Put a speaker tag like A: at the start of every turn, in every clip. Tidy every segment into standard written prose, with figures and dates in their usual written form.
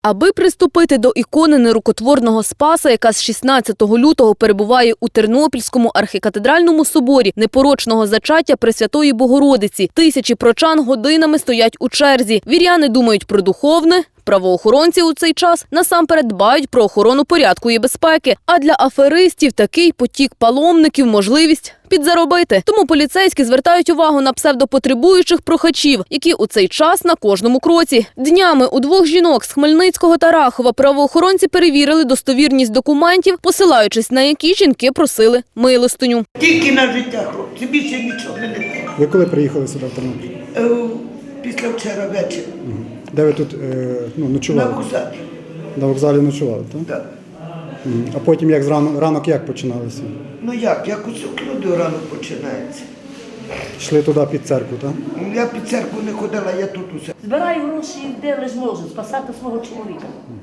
A: Аби приступити до ікони нерукотворного Спаса, яка з 16 лютого перебуває у Тернопільському архікатедральному соборі непорочного зачаття Пресвятої Богородиці, тисячі прочан годинами стоять у черзі. Віряни думають про духовне, правоохоронці у цей час насамперед дбають про охорону порядку і безпеки. А для аферистів такий потік паломників – можливість підзаробити. Тому поліцейські звертають увагу на псевдопотребуючих прохачів, які у цей час на кожному кроці. Днями у двох жінок з Хмельницького та Рахова правоохоронці перевірили достовірність документів, посилаючись на які жінки просили милостиню.
B: Тільки на життя, хлопці, більше нічого не треба.
C: Ви коли приїхали сюди в Тернопіль?
B: Після вчора ввечері.
C: Де ви тут ночували?
B: На вокзалі.
C: На вокзалі ночували, так?
B: Так.
C: А потім як ранок як починалося?
B: Ну як усю люди рано починається.
C: Йшли туди під церкву, так?
B: Я під церкву не ходила, я тут усе.
D: Збираю гроші, де лиш можу, спасати свого чоловіка.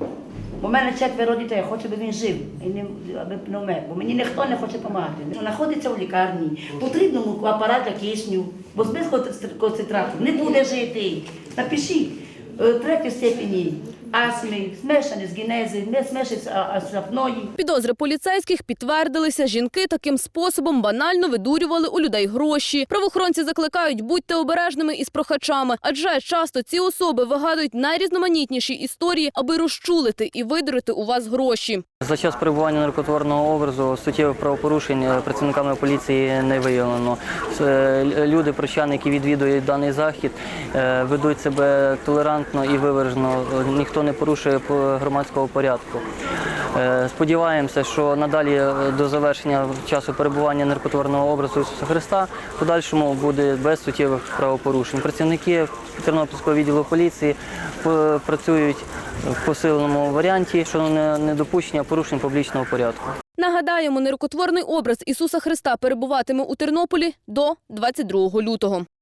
D: У мене 4 дітей, я хочу, аби він жив, аби не вмер, бо мені ніхто не хоче допомагати. Знаходиться в лікарні, потрібно апарат для кисню, бо без концентрату не буде жити. Напишіть, 3 степені астми, змешані з генези, не змешані з апної.
A: Підозри поліцейських підтвердилися. Жінки таким способом банально видурювали у людей гроші. Правоохоронці закликають, будьте обережними із прохачами, адже часто ці особи вигадують найрізноманітніші історії, аби розчулити і видурити у вас гроші.
E: За час перебування наркотворного образу суттєвих правопорушень працівниками поліції не виявлено. Люди, прочани, які відвідують даний захід, ведуть себе толерантно і виважено. Ніхто не порушує громадського порядку. Сподіваємося, що надалі до завершення часу перебування наркотворного образу Ісуса Христа в подальшому буде без суттєвих правопорушень. Працівники Тернопільського відділу поліції працюють в посиленому варіанті щодо недопущення порушень публічного порядку.
A: Нагадаємо, нерукотворний образ Ісуса Христа перебуватиме у Тернополі до 22 лютого.